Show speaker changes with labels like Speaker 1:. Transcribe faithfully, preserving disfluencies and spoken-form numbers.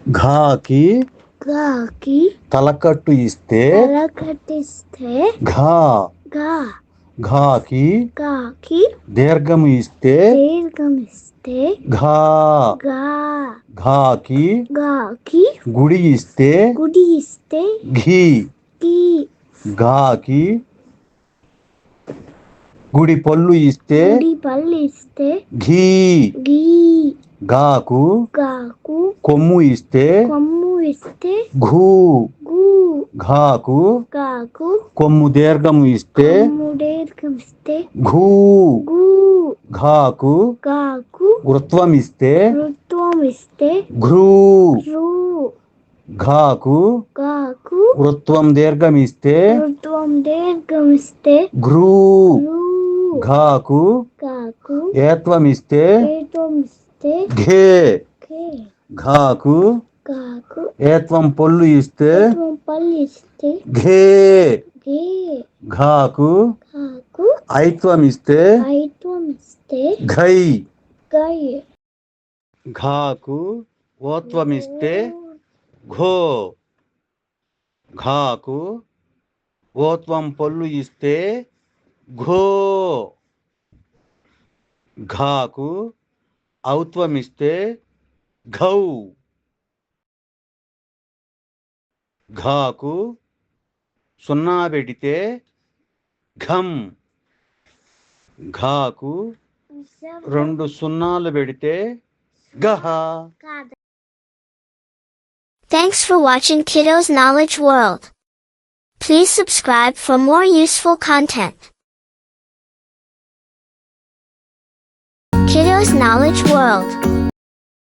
Speaker 1: ఘాకి
Speaker 2: గాకి
Speaker 1: తలకట్టు ఇస్తే
Speaker 2: తలకట్టిస్తే
Speaker 1: ఘా
Speaker 2: గా
Speaker 1: ఘాకి
Speaker 2: గాకి
Speaker 1: దీర్ఘము ఇస్తే
Speaker 2: దీర్ఘమిస్తే
Speaker 1: ఘా
Speaker 2: గా
Speaker 1: ఘాకి
Speaker 2: గాకి
Speaker 1: గుడి ఇస్తే
Speaker 2: గుడి ఇస్తే
Speaker 1: ఘీ
Speaker 2: కి
Speaker 1: ఘాకి గుడి పళ్ళు ఇస్తే
Speaker 2: గుడి పళ్ళు ఇస్తే
Speaker 1: ఘీ
Speaker 2: గీ
Speaker 1: గాకు
Speaker 2: గాకు
Speaker 1: కొమ్ము ఇస్తే
Speaker 2: కొమ్ము ఇస్తే
Speaker 1: ఘూ
Speaker 2: గు
Speaker 1: ఘాకు
Speaker 2: గాకు
Speaker 1: కొమ్ము దీర్ఘము ఇస్తే
Speaker 2: కొమ్ము దీర్ఘమిస్తే
Speaker 1: ఘూ
Speaker 2: గు
Speaker 1: ఘాకు
Speaker 2: గాకు
Speaker 1: వృత్వం ఇస్తే
Speaker 2: ఋత్వం ఇస్తే
Speaker 1: ఘ్రూ
Speaker 2: రు
Speaker 1: ఘాకు
Speaker 2: గాకు
Speaker 1: వృత్వం దీర్ఘం ఇస్తే
Speaker 2: ఋత్వం దీర్ఘమిస్తే
Speaker 1: ఘ్రూ
Speaker 2: రు
Speaker 1: ఘాకు
Speaker 2: గాకు
Speaker 1: ఏత్వం ఇస్తే
Speaker 2: ఏత్వం ఇస్తే
Speaker 1: ఘే
Speaker 2: కే
Speaker 1: ఘాకు
Speaker 2: గాకు
Speaker 1: ఏత్వం పొల్లు ఇస్తే
Speaker 2: ఏత్వం పళ్ళు ఇస్తే
Speaker 1: ఘే
Speaker 2: గే
Speaker 1: ఘాకు
Speaker 2: గాకు
Speaker 1: ఐత్వం ఇస్తే
Speaker 2: ఐత్వం ఇస్తే
Speaker 1: ఘై
Speaker 2: గై
Speaker 1: ఘాకు ఓత్వం ఇస్తే ఘో ఘాకు ఓత్వం పొల్లు ఇస్తే ఘో ఘాకు ఔత్వం ఇస్తే ఘౌ ఘాకు సున్నా పెడితే ఘం ఘాకు రెండు సున్నాలు పెడితే గహ.
Speaker 3: Thanks for watching Kiddo's Knowledge World. Please subscribe for more useful content. Kiddo's Knowledge World.